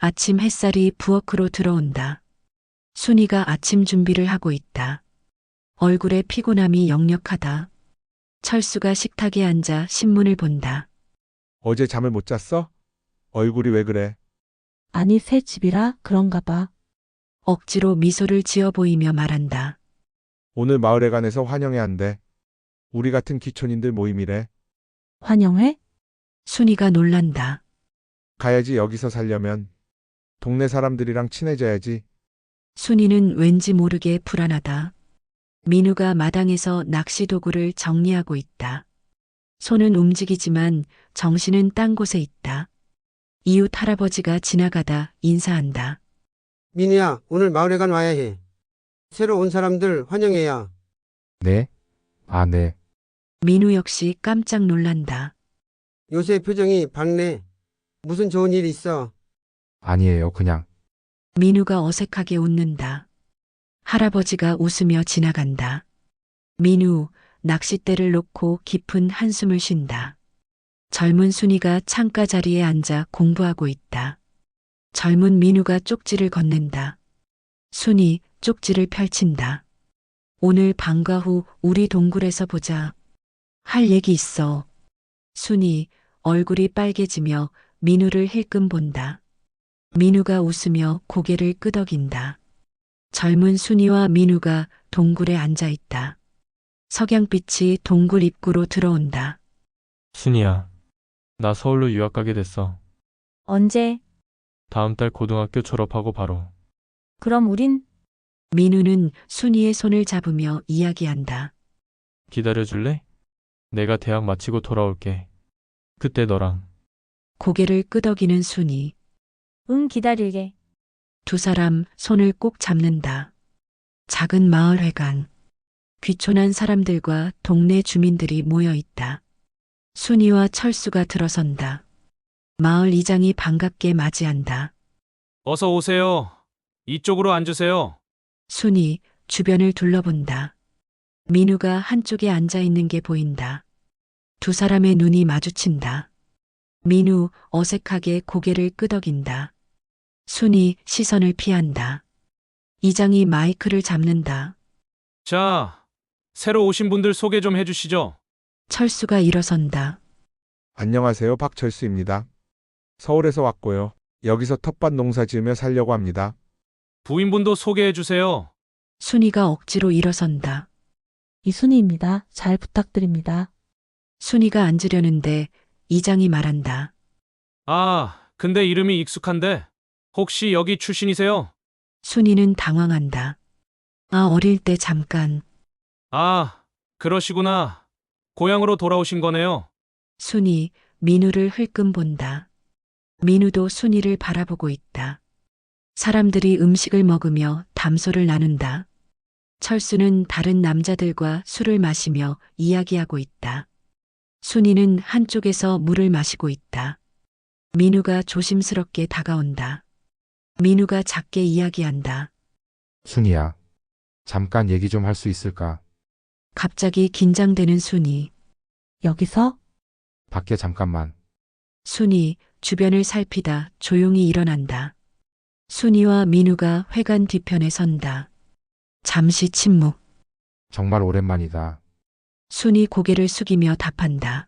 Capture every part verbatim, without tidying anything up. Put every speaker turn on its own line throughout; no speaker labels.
아침 햇살이 부엌으로 들어온다. 순이가 아침 준비를 하고 있다. 얼굴에 피곤함이 역력하다. 철수가 식탁에 앉아 신문을 본다.
어제 잠을 못 잤어? 얼굴이 왜 그래?
아니, 새 집이라 그런가 봐.
억지로 미소를 지어 보이며 말한다.
오늘 마을회관에서 환영회 한대. 우리 같은 기촌인들 모임이래.
환영회?
순이가 놀란다.
가야지. 여기서 살려면 동네 사람들이랑 친해져야지.
순이는 왠지 모르게 불안하다. 민우가 마당에서 낚시 도구를 정리하고 있다. 손은 움직이지만 정신은 딴 곳에 있다. 이웃 할아버지가 지나가다 인사한다.
민우야, 오늘 마을회관 와야 해. 새로 온 사람들 환영해야.
네? 아, 네.
민우 역시 깜짝 놀란다.
요새 표정이 밝네. 무슨 좋은 일 있어?
아니에요, 그냥.
민우가 어색하게 웃는다. 할아버지가 웃으며 지나간다. 민우, 낚싯대를 놓고 깊은 한숨을 쉰다. 젊은 순이가 창가 자리에 앉아 공부하고 있다. 젊은 민우가 쪽지를 건넨다. 순이 쪽지를 펼친다. 오늘 방과 후 우리 동굴에서 보자. 할 얘기 있어. 순이 얼굴이 빨개지며 민우를 힐끔 본다. 민우가 웃으며 고개를 끄덕인다. 젊은 순이와 민우가 동굴에 앉아 있다. 석양빛이 동굴 입구로 들어온다.
순이야, 나 서울로 유학 가게 됐어.
언제?
다음 달 고등학교 졸업하고 바로.
그럼 우린
민우는 순이의 손을 잡으며 이야기한다.
기다려줄래? 내가 대학 마치고 돌아올게. 그때 너랑.
고개를 끄덕이는 순이.
응 기다릴게.
두 사람 손을 꼭 잡는다. 작은 마을 회관. 귀촌한 사람들과 동네 주민들이 모여 있다. 순이와 철수가 들어선다. 마을 이장이 반갑게 맞이한다.
어서 오세요. 이쪽으로 앉으세요.
순이 주변을 둘러본다. 민우가 한쪽에 앉아 있는 게 보인다. 두 사람의 눈이 마주친다. 민우 어색하게 고개를 끄덕인다. 순이 시선을 피한다. 이장이 마이크를 잡는다.
자, 새로 오신 분들 소개 좀 해주시죠.
철수가 일어선다.
안녕하세요. 박철수입니다. 서울에서 왔고요. 여기서 텃밭 농사 지으며 살려고 합니다.
부인분도 소개해 주세요.
순이가 억지로 일어선다.
이순희입니다. 잘 부탁드립니다.
순이가 앉으려는데 이장이 말한다.
아, 근데 이름이 익숙한데 혹시 여기 출신이세요?
순이는 당황한다. 아, 어릴 때 잠깐.
아, 그러시구나. 고향으로 돌아오신 거네요.
순이 민우를 흘끔 본다. 민우도 순이를 바라보고 있다. 사람들이 음식을 먹으며 담소를 나눈다. 철수는 다른 남자들과 술을 마시며 이야기하고 있다. 순이는 한쪽에서 물을 마시고 있다. 민우가 조심스럽게 다가온다. 민우가 작게 이야기한다.
순이야. 잠깐 얘기 좀 할 수 있을까?
갑자기 긴장되는 순이.
여기서?
밖에 잠깐만.
순이 주변을 살피다 조용히 일어난다. 순이와 민우가 회관 뒤편에 선다. 잠시 침묵.
정말 오랜만이다.
순이 고개를 숙이며 답한다.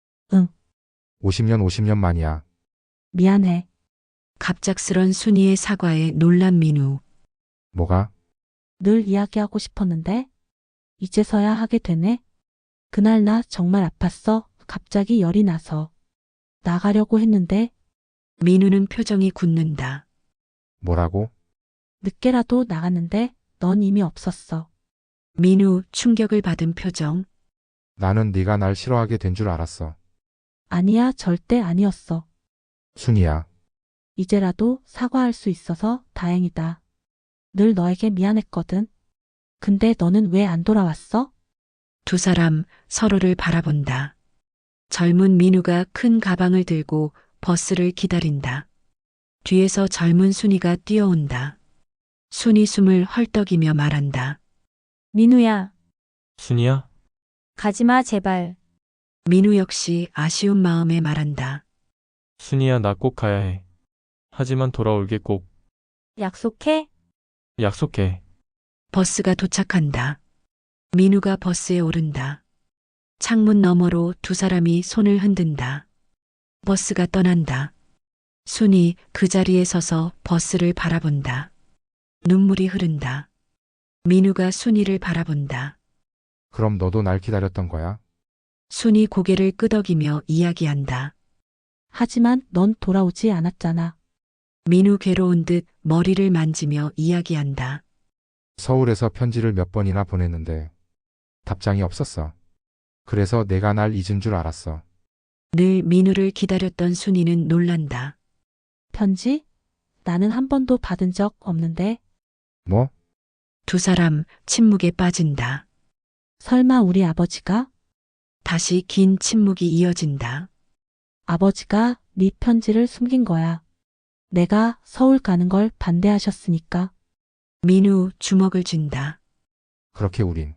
오십 년 오십 년 만이야.
미안해.
갑작스런 순이의 사과에 놀란 민우.
뭐가?
늘 이야기하고 싶었는데 이제서야 하게 되네. 그날 나 정말 아팠어. 갑자기 열이 나서. 나가려고 했는데
민우는 표정이 굳는다.
뭐라고?
늦게라도 나갔는데 넌 이미 없었어.
민우 충격을 받은 표정.
나는 네가 날 싫어하게 된 줄 알았어.
아니야, 절대 아니었어.
순이야.
이제라도 사과할 수 있어서 다행이다. 늘 너에게 미안했거든. 근데 너는 왜 안 돌아왔어?
두 사람 서로를 바라본다. 젊은 민우가 큰 가방을 들고 버스를 기다린다. 뒤에서 젊은 순이가 뛰어온다. 순이 숨을 헐떡이며 말한다.
민우야,
순이야?
가지마 제발.
민우 역시 아쉬운 마음에 말한다.
순이야, 나 꼭 가야 해. 하지만 돌아올게 꼭.
약속해?
약속해.
버스가 도착한다. 민우가 버스에 오른다. 창문 너머로 두 사람이 손을 흔든다. 버스가 떠난다. 순이 그 자리에 서서 버스를 바라본다. 눈물이 흐른다. 민우가 순이를 바라본다.
그럼 너도 날 기다렸던 거야?
순이 고개를 끄덕이며 이야기한다.
하지만 넌 돌아오지 않았잖아.
민우 괴로운 듯 머리를 만지며 이야기한다.
서울에서 편지를 몇 번이나 보냈는데 답장이 없었어. 그래서 내가 날 잊은 줄 알았어.
늘 민우를 기다렸던 순이는 놀란다.
편지? 나는 한 번도 받은 적 없는데.
뭐?
두 사람 침묵에 빠진다.
설마 우리 아버지가?
다시 긴 침묵이 이어진다.
아버지가 네 편지를 숨긴 거야. 내가 서울 가는 걸 반대하셨으니까.
민우 주먹을 쥔다.
그렇게 우린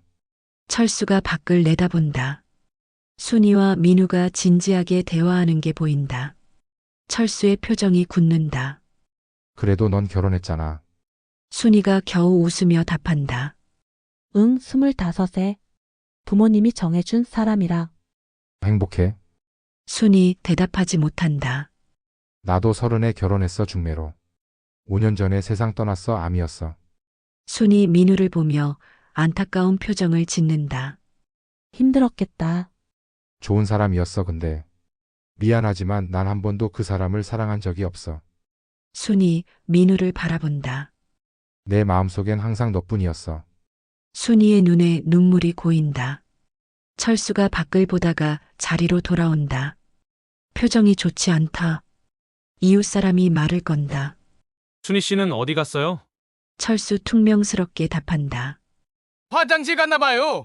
철수가 밖을 내다본다. 순이와 민우가 진지하게 대화하는 게 보인다. 철수의 표정이 굳는다.
그래도 넌 결혼했잖아.
순이가 겨우 웃으며 답한다.
응, 스물다섯에. 부모님이 정해준 사람이라.
행복해?
순이 대답하지 못한다.
나도 서른에 결혼했어 중매로. 오 년 전에 세상 떠났어 암이었어.
순이 민우를 보며 안타까운 표정을 짓는다.
힘들었겠다.
좋은 사람이었어 근데. 미안하지만 난 한 번도 그 사람을 사랑한 적이 없어.
순이 민우를 바라본다.
내 마음속엔 항상 너뿐이었어.
순이의 눈에 눈물이 고인다. 철수가 밖을 보다가 자리로 돌아온다. 표정이 좋지 않다. 이웃 사람이 말을 건다.
순희 씨는 어디 갔어요?
철수 퉁명스럽게 답한다.
화장실 갔나 봐요.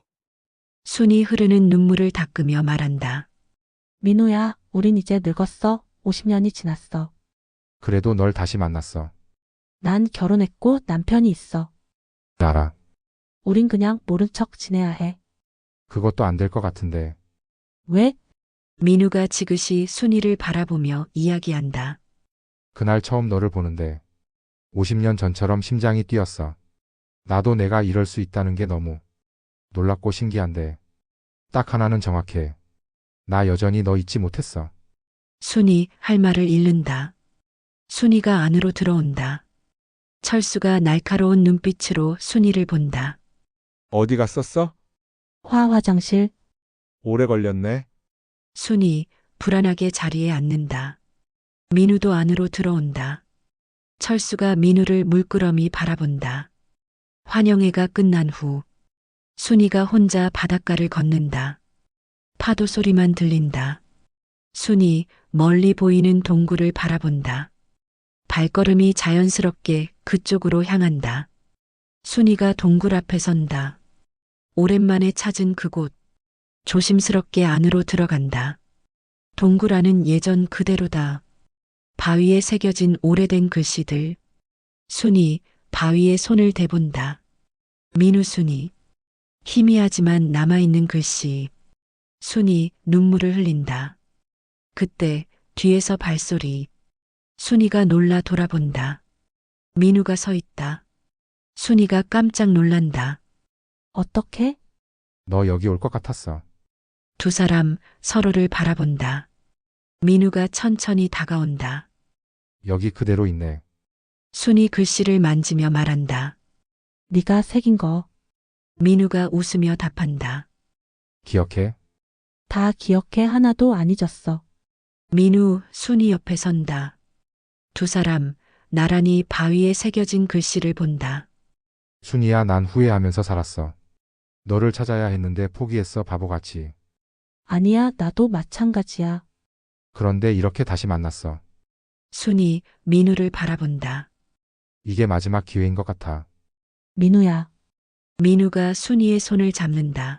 순이 흐르는 눈물을 닦으며 말한다.
민우야, 우린 이제 늙었어. 오십 년이 지났어.
그래도 널 다시 만났어.
난 결혼했고 남편이 있어.
알아.
우린 그냥 모른 척 지내야 해.
그것도 안 될 것 같은데.
왜?
민우가 지그시 순이를 바라보며 이야기한다.
그날 처음 너를 보는데 오십 년 전처럼 심장이 뛰었어. 나도 내가 이럴 수 있다는 게 너무 놀랍고 신기한데 딱 하나는 정확해. 나 여전히 너 잊지 못했어.
순이 할 말을 잃는다. 순이가 안으로 들어온다. 철수가 날카로운 눈빛으로 순이를 본다.
어디 갔었어?
화 화장실.
오래 걸렸네.
순이 불안하게 자리에 앉는다. 민우도 안으로 들어온다. 철수가 민우를 물끄러미 바라본다. 환영회가 끝난 후 순이가 혼자 바닷가를 걷는다. 파도 소리만 들린다. 순이 멀리 보이는 동굴을 바라본다. 발걸음이 자연스럽게 그쪽으로 향한다. 순이가 동굴 앞에 선다. 오랜만에 찾은 그곳. 조심스럽게 안으로 들어간다. 동굴 안은 예전 그대로다. 바위에 새겨진 오래된 글씨들. 순이 바위에 손을 대본다. 민우 순이. 희미하지만 남아있는 글씨. 순이 눈물을 흘린다. 그때 뒤에서 발소리. 순이가 놀라 돌아본다. 민우가 서 있다. 순이가 깜짝 놀란다.
어떻게?
너 여기 올 것 같았어.
두 사람 서로를 바라본다. 민우가 천천히 다가온다.
여기 그대로 있네.
순이 글씨를 만지며 말한다.
네가 새긴 거.
민우가 웃으며 답한다.
기억해?
다 기억해. 하나도 안 잊었어.
민우, 순이 옆에 선다. 두 사람 나란히 바위에 새겨진 글씨를 본다.
순이야 난 후회하면서 살았어. 너를 찾아야 했는데 포기했어 바보같이.
아니야, 나도 마찬가지야.
그런데 이렇게 다시 만났어.
순이 민우를 바라본다.
이게 마지막 기회인 것 같아.
민우야,
민우가 순이의 손을 잡는다.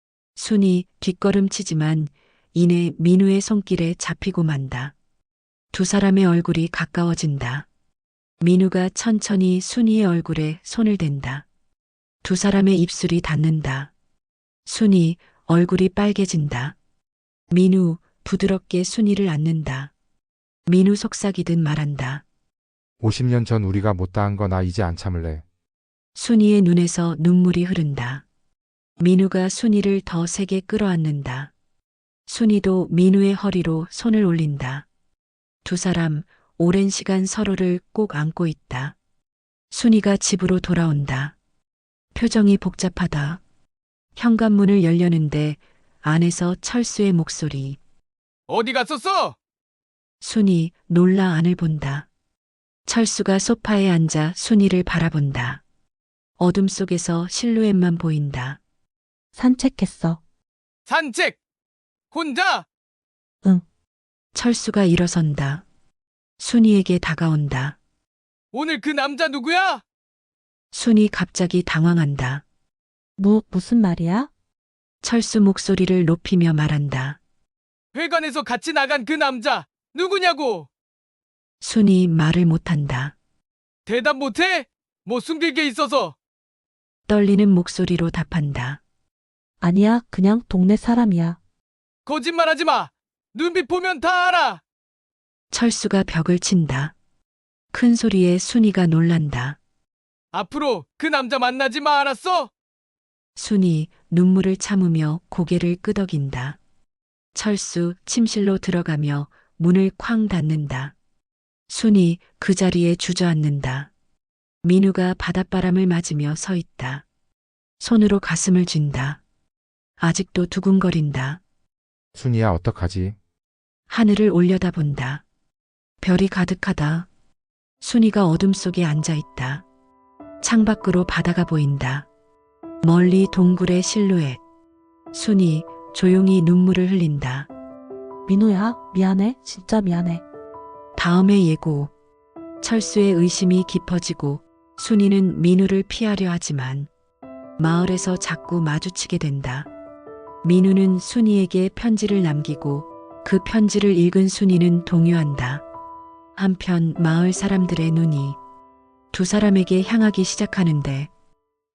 순이 뒷걸음치지만 이내 민우의 손길에 잡히고 만다. 두 사람의 얼굴이 가까워진다. 민우가 천천히 순이의 얼굴에 손을 댄다. 두 사람의 입술이 닿는다. 순이 얼굴이 빨개진다. 민우 부드럽게 순이를 안는다. 민우 속삭이듯 말한다.
오십 년 전 우리가 못다한 거 나 이제 안 참을래.
순이의 눈에서 눈물이 흐른다. 민우가 순이를 더 세게 끌어안는다. 순이도 민우의 허리로 손을 올린다. 두 사람 오랜 시간 서로를 꼭 안고 있다. 순이가 집으로 돌아온다. 표정이 복잡하다. 현관문을 열려는데 안에서 철수의 목소리.
어디 갔었어?
순이 놀라 안을 본다. 철수가 소파에 앉아 순이를 바라본다. 어둠 속에서 실루엣만 보인다.
산책했어.
산책! 혼자!
철수가 일어선다. 순이에게 다가온다.
오늘 그 남자 누구야?
순이 갑자기 당황한다.
무, 무슨 말이야?
철수 목소리를 높이며 말한다.
회관에서 같이 나간 그 남자 누구냐고!
순이 말을 못한다.
대답 못해? 뭐 숨길 게 있어서.
떨리는 목소리로 답한다.
아니야, 그냥 동네 사람이야.
거짓말하지 마. 눈빛 보면 다 알아.
철수가 벽을 친다. 큰 소리에 순이가 놀란다.
앞으로 그 남자 만나지 마, 알았어?
순이 눈물을 참으며 고개를 끄덕인다. 철수 침실로 들어가며 문을 쾅 닫는다. 순이 그 자리에 주저앉는다. 민우가 바닷바람을 맞으며 서 있다. 손으로 가슴을 쥔다. 아직도 두근거린다.
순이야 어떡하지?
하늘을 올려다본다. 별이 가득하다. 순이가 어둠 속에 앉아 있다. 창밖으로 바다가 보인다. 멀리 동굴의 실루엣. 순이 조용히 눈물을 흘린다.
민우야, 미안해. 진짜 미안해.
다음의 예고. 철수의 의심이 깊어지고 순이는 민우를 피하려 하지만 마을에서 자꾸 마주치게 된다. 민우는 순이에게 편지를 남기고 그 편지를 읽은 순이는 동요한다. 한편 마을 사람들의 눈이 두 사람에게 향하기 시작하는데